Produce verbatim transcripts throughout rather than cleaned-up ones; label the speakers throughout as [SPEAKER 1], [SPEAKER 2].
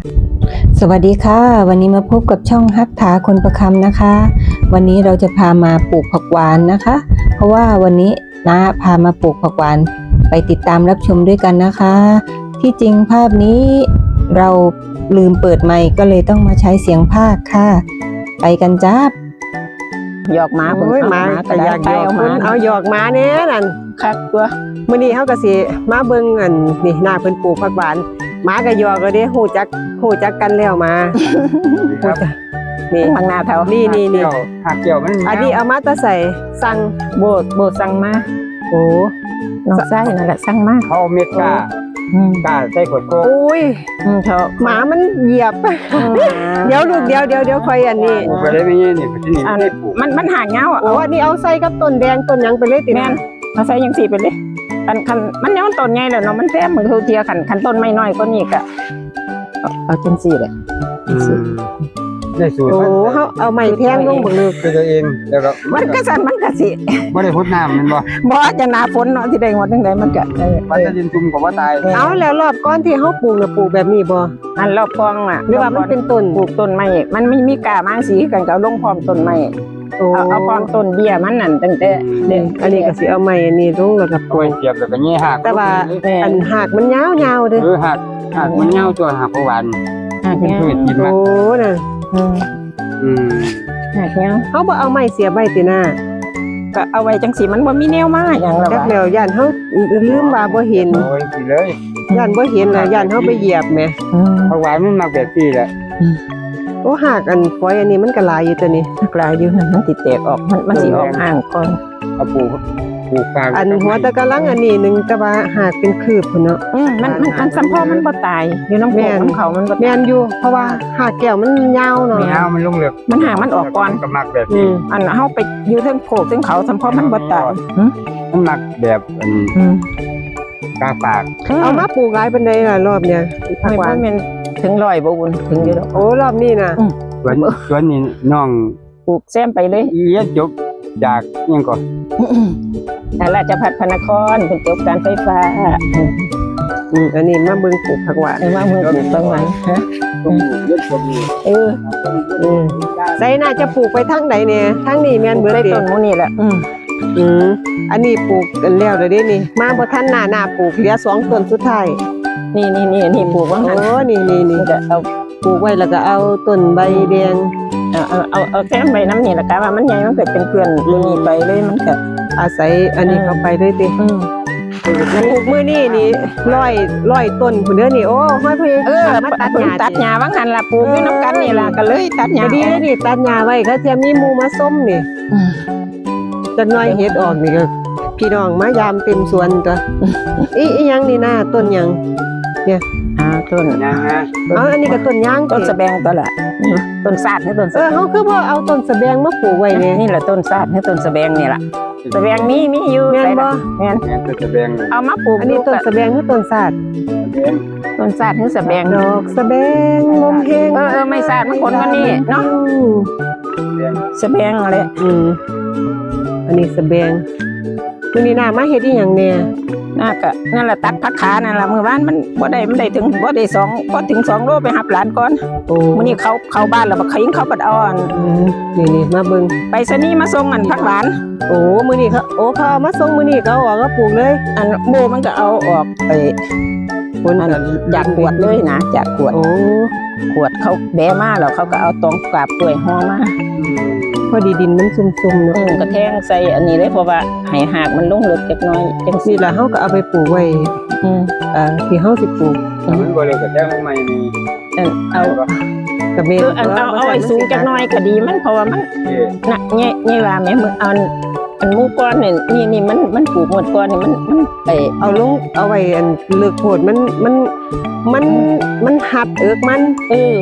[SPEAKER 1] สวัสดีค่ะวันนี้มาพบกับช่องฮักถาคนประคำนะคะวันนี้เราจะพามาปลูกผักหวานนะคะ เพราะว่าวันนี้น้าพามาปลูกผักหวานไปติดตามรับชมด้วยกันนะคะ ที่จริงภาพนี้เราลืมเปิดไมค์ก็เลยต้องมาใช้เสียงพากย์ค่ะไปกันจ้าหยอกหมาผมหมาก็อยากหยอกมันเอาหยอกหมาเนี้ยนั่นคักตัวมื้อนี้เฮาก็สิมาเบิ่งอันนี่หน้าเพิ่นปลูกผักหวานหมาก็หยอกแล้วเด้ฮู้จักฮู้จักกันแล้วมาครับนี่ข้างหน้าเท่านี่นี่นี่
[SPEAKER 2] หักเกี่ยวมัน
[SPEAKER 1] อันนี้เอามาตะใส่สั่งโบดโบดสั่งมาโอ้น้องไส้นั่นแหละสั่งมา
[SPEAKER 2] เขาเม็ดกล้ากล้าใส่ขวดโค้ก
[SPEAKER 1] อุ้ยเขาหมามันเหยียบเดี๋ยวลูกเดี๋ยวเดี๋ยวเดี๋ยวคอยอันนี้
[SPEAKER 2] ไปได้ไม่เงี้ยนี่ที่นี่
[SPEAKER 1] มันมันห่างเงาอ่ะโอ้อันนี้เอาใส่กับต้นแดงต้นยังไปเลยติแม่นเอาใส่ยังสี่ไปเลยคันคันมันยังต้นไงเลยเนาะมันแท้เหมือนเขาเทียขันขันต้นไม่น้อยก็นี่กะเอาจังสี่เลย
[SPEAKER 2] ได้สูตร
[SPEAKER 1] โอ้เขาเอาไม้แทงลงบนเลย
[SPEAKER 2] คือตัวเองแล้วก็
[SPEAKER 1] มันก็สั่นมันก็สิ
[SPEAKER 2] บ่ได้พดน้ำมันบ่
[SPEAKER 1] บ่จะหนาฝนเนาะที่ได้งดจังไดมันก็
[SPEAKER 2] มันจะดินซุ่มกับว่าตาย
[SPEAKER 1] เอาแล้วรอบก้อนที่เขาปลูกน่ะปลูกแบบนี้บ่อันรอบกองน่ะหรือว่ามันเป็นต้นปลูกต้นไม้มันไม่มีกามาสีกันก็ลงพร้อมต้นไม้เอาเอาพร้อมต้นเบี้ยมันนั่นตั้งแต่เด็กอันนี้ก็สิเอาไม้อันนี้ลงแล้วก็
[SPEAKER 2] ปลูกเสียบแล้วก็แง่หัก
[SPEAKER 1] แต่ว่าอันหักมันยาวๆเด้อ
[SPEAKER 2] เออหักหักมันยาวตัวหักหวาน
[SPEAKER 1] หักเนี่ยโอ้น่ะอืมอืมหักเนี่ยเขาบ่เอาไม้เสียบไว้ติหน้าก็เอาไว้จังสีมันบ่มีแนวมาอย่างละจักแล้วย่านเฮาลืมว่าบ่เห็น
[SPEAKER 2] โอ้ยสิเลย
[SPEAKER 1] ย่านบ่เห็นแล้วย่านเฮาไปเหยียบแหม
[SPEAKER 2] เพราะว่ามันมาแบบนี้แหละ
[SPEAKER 1] โอ้หักอันฝอยอันนี้มันก็หลายอยู่ตัวนี้หลายอยู่มันสิแตกออกมันมันสิออกห่างก่อน
[SPEAKER 2] เอาปลูกปลูกฟาง
[SPEAKER 1] อันหัวตะกะลังอันนี้นึงแต่ว่าหักเป็นคืบพุ่นเนาะอืมมันมันมันสัมพอมันบ่ตายอยู่น้ำโขงน้ำเขามันบ่แม่นอยู่เพราะว่าหักแก้วมันยาวเนาะ
[SPEAKER 2] ยาวมันลงเหลือก
[SPEAKER 1] มันห่างมันออกก่อน
[SPEAKER 2] ก็มักแบบนี้
[SPEAKER 1] อันเฮาไปอยู่เทิงโขกเทิงเขาสัมพอมันบ่ตาย
[SPEAKER 2] มันมักแบบอันกาปาก
[SPEAKER 1] เอามาปลูกหลายปานใดล่ะรอบเนี้ยผักหวานถึงร้อยบ่อุ่นถึงอยู่ดอกโอ้รอบนี้น่ะ
[SPEAKER 2] สวนสวนนี้น้อง
[SPEAKER 1] ปลูกแซมไปเลย
[SPEAKER 2] เรียนจบจากยังก่อน
[SPEAKER 1] ราชภัฏพระนครเป็นจบการไฟฟ้าอืมอันนี้มาเบิ่งปลูกผักหวานมาเบิ่งปลูกผักหวานฮะเอออืมไสน่าจะปลูกไปทางไหนเนี่ยทางนี้แม่นเบิดได้ต้นหมู่นี่แหละอืมอืมอันนี้ปลูกกันแล้วเด้อนี่มาบ่ทันหน้าหน้าปลูกเหลือสองต้นสุดท้ายนี่นี่นี่นี่ปลูกว่างั้นโอ้นี่นี่นี่ก็เอาปลูกไว้แล้วก็เอาต้นใบแดงเอาเอาเอาเอาแซมใบน้ำนี่แหละกะว่ามันใหญ่มันเกิดเป็นเกลื่อนเลยนี่ไปเลยมันก็อาศัยอันนี้เข้าไปด้วยติอืมปลูกมื้อนี้นี่ร้อยร้อยต้นพุ่นเด้อนี่โอ้ห้อยพ่อเออมาตัดหญ้าตัดหญ้าว่างั้นล่ะปลูกอยู่นำกันนี่ล่ะก็เลยตัดหญ้าดีเลยนี่ตัดหญ้าไว้ก็เทียมมีหมู่มาส้มนี่จักหน่อยเฮ็ดออกนี่ก็พี่น้องมายามเต็มสวนตัวอีอีหยังนี่นะต้นหยังเนี่ยอ่าต้น
[SPEAKER 2] ยางนะ
[SPEAKER 1] อ๋ออันนี้ก็ต้นยางต้นสะแบงตัวละต้นซาดนี่ต้นเออเฮาคือบ่เอาต้นสะแบงมาปลูกไว้นี่นี่แหละต้นซาดนี่ต้นสะแบงนี่ล่ะสะแบงมีมีอยู่แม่นบ่แม่น
[SPEAKER 2] ต้นสะแบง
[SPEAKER 1] เอามาปลูกอันนี้ต้นสะแบงหรือต้นซาดต้นซาดหรือสะแบงดอกสะแบงลมแห้งเออเออไม่ซาดมันคนกันนี่เนาะสะแบงอะไรอืมอันนี้สะแบงมื้อนี้น่ามาเฮ็ดอีหยังแน่น่าก็นั่นแหละตัดผักขานั่นแหละมื้อวานมันบ่ได้มันได้ถึงบ่ได้สองพอถึงสองโลไปหับหลานก่อนโอ้มื้อนี้เขาเข้าบ้านแล้วบ่ขิงเขาบัดอ่อนนี่ๆมาเบิ่งไปสนีมาส่งอันผักหวานโอ้มื้อนี้เขาโอ้เขาเอามาส่งมื้อนี้เขาออกก็ปลูกเลยอันโบมันก็เอาออกไปคนอันอยากขวดเลยนะจากขวดโอ้ขวดเขาแบะมาแล้วเขาก็เอาตองกาบกล้วยห่อมาพอดีดินมันซุ่มๆเนาะก็แทงใส่อันนี้เลยเพราะว่าให้หากมันลงลึกจักหน่อยจังซี่ล่ะเฮาก็เอาไปปลูกไว้อืมอ่าที่เฮาสิปลูก
[SPEAKER 2] มันบ่เลยก็แทงใหม่นี่
[SPEAKER 1] เอากระเบนเอาเอาไว้สูงจักหน่อยก็ดีมันเพราะว่ามันน่ะแง่ๆว่าแม่มึงเอาอันหมู่ก้อนนี่นี่นี่มันมันปลูกหมดก้อนนี่มันมันไปเอาลงเอาไว้อันเลือกโพดมันมันมันมันหัดเอิกมันเออ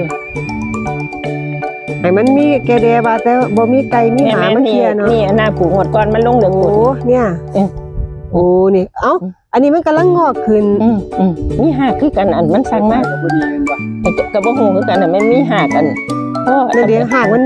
[SPEAKER 1] ไอ้มันมีแกแดว่าแต่บ่มีไก่มีหมามันเที่ยเนาะนี่อันน่ะปลูกหมดก้อนมันลงเหลืองโอ้เนี่ยโอ้นี่เอ้าอันนี้มันกำลังงอกขึ้นอืมอืมมีหากคือกันอันมันสั่งมาก็บ่ดีแม่นบ่ก็บ่ฮู้คือกันน่ะมันมีหากอันเพราะเดี๋ยวหากมันมี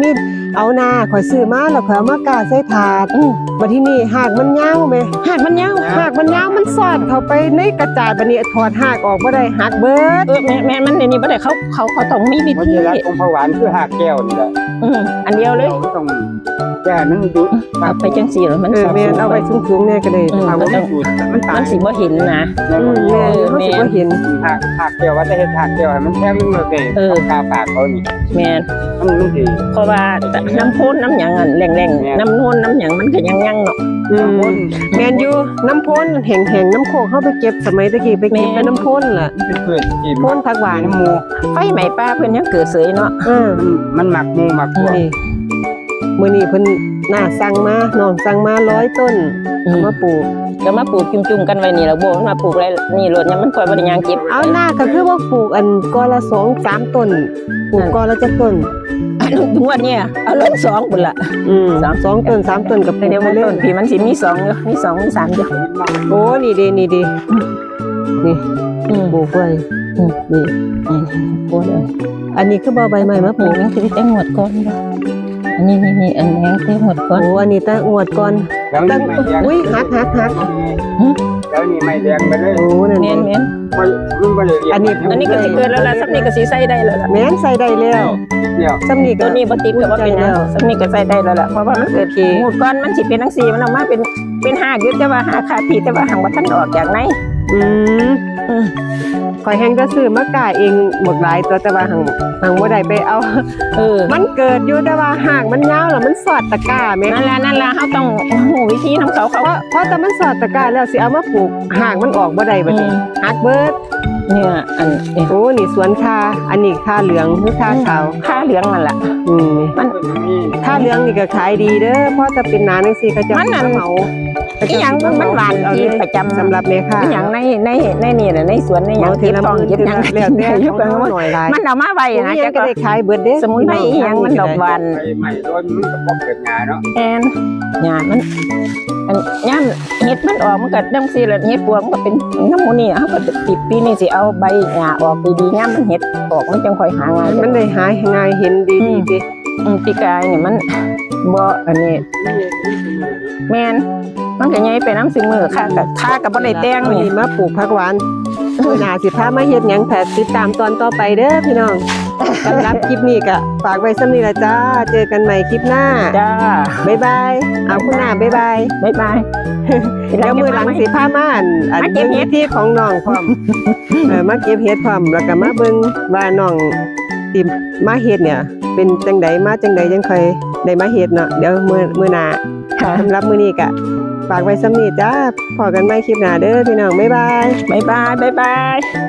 [SPEAKER 1] เอาหน้าข่อยซื้อมาแล้วข่อยเอามากาใส่ถาดบัดที่นี่หากมันยาวแม่
[SPEAKER 3] หากมันยาว
[SPEAKER 1] หากมันยาวมันสอดเข้าไปในกระจาดบัดนี้ถอดหากออกบ่ได้หักเบิด
[SPEAKER 3] เออแม่แม่มันในนี้บ่ได้เขาเขาเขาต้องมีวิ
[SPEAKER 2] เพราะ
[SPEAKER 3] ธี
[SPEAKER 2] ที่รักของผักหวานคือหากแก้วนี่แหละ
[SPEAKER 3] อืมอันเดียวเลย
[SPEAKER 2] ราต้องแก้มันดู
[SPEAKER 3] เอาไปจังซี่แล้วมัน
[SPEAKER 1] เออแม่นเอาไว้สูงๆแน่ก็ได้
[SPEAKER 2] ถ้าว่ามันสูดมันตา
[SPEAKER 3] มั
[SPEAKER 2] ย
[SPEAKER 3] นสิบ่เห็นนะ
[SPEAKER 2] ใน
[SPEAKER 1] อื
[SPEAKER 2] วัน
[SPEAKER 1] ม
[SPEAKER 2] นี้
[SPEAKER 1] แม่นเฮาสิบ่เห็น
[SPEAKER 2] หากหากแก้วว่าจะเฮ็ดหากแก้วให้มันแท่งเลยเด้
[SPEAKER 3] เออ
[SPEAKER 2] กาปากเขานี่
[SPEAKER 3] แม่น
[SPEAKER 2] มันมันสิ
[SPEAKER 3] เพราะว่าน้ำพ่นน้ำหยังอันแรง
[SPEAKER 2] แม่น
[SPEAKER 3] ๆน้ำนวลน้ำหยังมันก็ยังยังเนาะ
[SPEAKER 1] อืม
[SPEAKER 2] คน
[SPEAKER 1] แม่นอยู่น้ำพ่นแห้งๆน้ำโคกเฮาไปเก็บสมัยตะกี้ไปเก็บ
[SPEAKER 3] แม่น
[SPEAKER 1] แต่น้ำพ่นล่ะ
[SPEAKER 2] เป็นพืชที่
[SPEAKER 1] พ่นผักหวาน
[SPEAKER 2] น้ำหมู
[SPEAKER 3] ไฟไหม้ป้าเพิ่นยังเกิดเสยเนาะ
[SPEAKER 1] เออ
[SPEAKER 2] มันมันหมักหมูหมักพวก
[SPEAKER 1] นี่มื้อนี้เพิ่นน่าสั่งมาน้องสั่งมาร้อยต้นเอามาปลูก
[SPEAKER 3] ก็มาปลูกจุ่มๆกันไว้นี่แล้วโบมันมาปลูกไรนี่รถยังมันค่อยบ่ได้ยางเก็บ
[SPEAKER 1] เอาหน้าก็คือว่าปลูกอันกอละสองสามต้นปลูกกอละจักต้น
[SPEAKER 3] ถึงวันเนี้ยเอาลงสองพุ่นล่ะ
[SPEAKER 1] อืม
[SPEAKER 3] สาม
[SPEAKER 1] สองต้นสามต้นกับปลูก
[SPEAKER 3] เดี๋ยว
[SPEAKER 1] ไป
[SPEAKER 3] มัน
[SPEAKER 1] เรื่
[SPEAKER 3] ต้
[SPEAKER 1] อน ย
[SPEAKER 3] พี่มันสิมีสองอยู่มีสองมีสามอยู่
[SPEAKER 1] โอ้นี่ดีนี่ดีนี่
[SPEAKER 3] อืม
[SPEAKER 1] ปลูกไว้
[SPEAKER 3] อืม
[SPEAKER 1] นี่
[SPEAKER 3] นี่โอ้ย
[SPEAKER 1] อันนี้คือบ่ใบไม้มาป
[SPEAKER 3] ปลู
[SPEAKER 1] ลู
[SPEAKER 3] ก
[SPEAKER 1] ก
[SPEAKER 3] ยังสิได้หมดก่อนบ่อันนี้นี่นี่อันแรงได้หมดก่อน
[SPEAKER 1] โอ้อันนี้ตั้งอวดก่อน
[SPEAKER 2] แล้ว
[SPEAKER 1] ตั้
[SPEAKER 2] นี่
[SPEAKER 1] ง
[SPEAKER 2] ไม่แดง
[SPEAKER 1] อุ้ยหักหักหัก
[SPEAKER 2] แล้วนี่ไม่แดงไปเลย
[SPEAKER 1] โอ้นั่น
[SPEAKER 3] แม่นแม่น
[SPEAKER 2] มันมันบ่ละเอียด
[SPEAKER 1] อันนี้
[SPEAKER 3] อันนี้ก็สิเกิดแล้วล่ะสักนี้ก็สิใส่ได้แล้วล่ะ
[SPEAKER 1] แม่นใส่ได้แล้ว
[SPEAKER 2] เดียว
[SPEAKER 1] ซ้ำนี่ก็
[SPEAKER 3] ตัวนี้บ่ติดก็บ่เป็นหยังสักนี้ก็ใส่ได้แล้วล่ะเพราะว่ามันเกิดหมดก่อนมันสิเป็นจังซี่มันออกมาเป็นเป็นหากอยู่แต่ว่าหากขาดพี่แต่ว่าหังบ่ทันออกจากใน
[SPEAKER 1] อืม
[SPEAKER 3] อืม
[SPEAKER 1] ข่อยแฮงก็ซื้อมากาเองหมดหลายตัวแต่ว่าหังหังบ่ได้ไปเอา
[SPEAKER 3] เออ
[SPEAKER 1] มันเกิดอยู่แต่ว่าหากมันยาวแล้วมันสอดตะกร้าแม่
[SPEAKER 3] นั่นล่ะนั่นล่ะเฮาต้องฮู้วิธีนำเขาเขา
[SPEAKER 1] เพราะเพราะแต่มันสอดตะกร้าแล้วสิเอามาปลูกหากมันออกบ่ได้บัดนี้หักเบิด
[SPEAKER 3] เนี่ยอันเนี่ย
[SPEAKER 1] โอ้นี่สวนคาอันนี้คาเหลืองหรือคาขาว
[SPEAKER 3] ค่าเหลืองนั่นล่ะ
[SPEAKER 1] อืม
[SPEAKER 3] มัน
[SPEAKER 1] คาเหลืองนี่ก็ขายดีเด้อเพราะจะเป็นหนาจังซี่เขาจะ
[SPEAKER 3] มันนั่น
[SPEAKER 1] เหมา
[SPEAKER 3] อีหยังมันหวานที่ประจำ
[SPEAKER 1] สำหรับแม่ค้า
[SPEAKER 3] อีหยังในในในนี่น่ะในสวนในหยัง
[SPEAKER 1] เมาเท
[SPEAKER 3] เก็บ
[SPEAKER 1] ละ
[SPEAKER 3] ต้อง
[SPEAKER 1] มื้อ
[SPEAKER 3] เก็บหยัง
[SPEAKER 1] แล้วแต่
[SPEAKER 3] อยู่
[SPEAKER 1] ข
[SPEAKER 3] กั
[SPEAKER 1] อน ง
[SPEAKER 3] ว่า
[SPEAKER 1] หน่อยหลาย
[SPEAKER 3] มันเอามาไว้
[SPEAKER 1] ผู้
[SPEAKER 3] นะ
[SPEAKER 1] เรียน
[SPEAKER 3] จัก
[SPEAKER 1] ก็
[SPEAKER 3] ก็
[SPEAKER 1] ได้ขายเบิดเด้
[SPEAKER 3] สมุนไพรอีหยังมันดอกหวาน
[SPEAKER 2] ไปใหม่โดนมันก็บ่เกิดงาเนาะ
[SPEAKER 3] แอนหญ้ามันอันย่ามเห็ดมันออกมันก็จังซี่แหละเห็ดปวกมันก็เป็นน้ำหมูนี่เฮาก็ติดปีนี้สิเอาใบหญ้าออกดีๆย่ามมันเห็ดออกมันจังค่อยหาง่าย
[SPEAKER 1] มันได้หาง่ายเห็นดีดีติ
[SPEAKER 3] อืมปีกายนี่มันบ่อันนี้แม่นมันก็ใหญ่ไปน้ำสิมือค่ะก็ค่าก็บ่ได้แต่ง
[SPEAKER 1] วัน
[SPEAKER 3] นี่
[SPEAKER 1] นี้มาปลูกผักหวานมื้อหน้าสิพามาเฮ็ดหยังแต่ติดตามตอนต่อไปเด้อพี่น้องสำหรับคลิปนี้ก็ฝากไว้ส่ำนี้ล่ะจ้าเจอกันใหม่คลิปหน้า
[SPEAKER 3] จ้า
[SPEAKER 1] บ๊ายบายเอาคุณหน้าบ๊ายบาย
[SPEAKER 3] บ๊ายบาย
[SPEAKER 1] เดี๋ยวมือหลังสิพามาอันอัน
[SPEAKER 3] มาเก็บเห็ด
[SPEAKER 1] ที่ของน้องพร้อม เออมาเก็บเห็ดพร้อมแล้วก็มาเบิ่งว่าน้องที่มาเฮ็ดเนี่ย เป็นจังใดมาจังใดจังค่อยได้มาเฮ็ดเนาะเดี๋ยวมื้อมื้อหน้า
[SPEAKER 3] ค่ะ
[SPEAKER 1] สำหรับมื้อนี้ก็ฝากไว้ส่ำนี้จ้าพอกันใหม่คลิปหน้าเด้อพี่น้องบ๊ายบาย
[SPEAKER 3] บ๊ายบายบ๊ายบาย